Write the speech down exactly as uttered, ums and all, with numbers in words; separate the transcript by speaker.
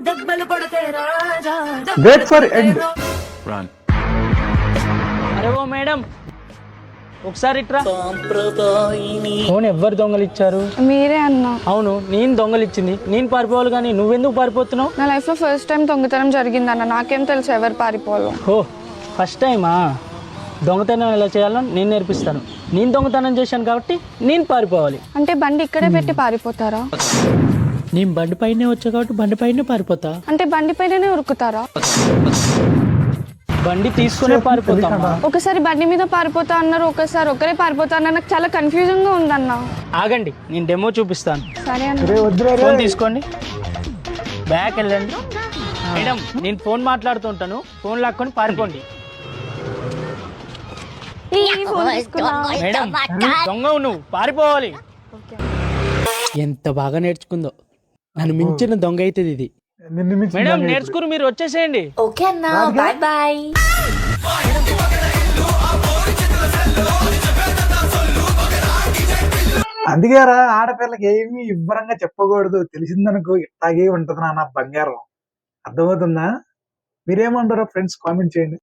Speaker 1: Wait for end.
Speaker 2: అరే ఓ madam, ఒకసారి ఇట్రా. ఫోన్ ఎవ్వరు దొంగలు ఇచ్చారు?
Speaker 3: మీరే అన్నా.
Speaker 2: అవును, నేను దొంగలు ఇచ్చింది. నేను పారిపోవాలి కానీ నువ్వెందుకు పారిపోతున్నావు?
Speaker 3: నా లైఫ్ లో ఫస్ట్ టైం దొంగతనం జరిగిందన్న, నాకేం తెలుసు ఎవరు పారిపోవాలో.
Speaker 2: ఓ ఫస్ట్ టైమా? దొంగతనం ఎలా చేయాలో నేను నేర్పిస్తాను. నేను దొంగతనం చేశాను కాబట్టి నేను పారిపోవాలి.
Speaker 3: అంటే బండి ఇక్కడే పెట్టి పారిపోతారా?
Speaker 2: నేను బండి పైనే వచ్చా కాబట్టి బండి పైనే పారిపోతా.
Speaker 3: అంటే బండి పైననే ఉరుకుతారా?
Speaker 2: బండి తీసుకునే పారిపోతామా?
Speaker 3: ఒకసారి బండి మీద పారిపోతా అన్నారు, ఒకసారి ఒకరే పారిపోతా అన్నారు. నాకు చాలా కన్ఫ్యూజన్ గా ఉందన్న.
Speaker 2: ఆగండి, నేను డెమో చూపిస్తాను.
Speaker 3: సరే అన్న.
Speaker 1: రే వద్దురా రే.
Speaker 2: ఫోన్ తీసుకోండి, బ్యాక్ వెళ్ళండి. మేడం, నేను ఫోన్ మాట్లాడుతుంటాను, ఫోన్ లాక్కొని పారిపోండి.
Speaker 3: ఈ ఫోన్ తీసుకున్నా.
Speaker 2: మేడం, దొంగవు నువ్వు, పారిపోవాలి. ఎంత బాగా నేర్చుకుందో. నన్ను మించిన దొంగ అవుతుంది ఇది.
Speaker 1: నిన్ను మించి
Speaker 2: మేడం
Speaker 1: దొంగ
Speaker 2: నేర్చుకుని మీరు వచ్చేసేయండి.
Speaker 4: ఓకే అన్నా, బాయ్ బాయ్.
Speaker 1: అందుకేరా ఆడపిల్లకి ఏమి ఇవ్వరంగా చెప్పకూడదు. తెలిసిందనుకో ఇట్లాగే ఉంటది నా బంగారం. అర్థమవుతుందా? మీరేమంటారో ఫ్రెండ్స్ కామెంట్ చేయండి.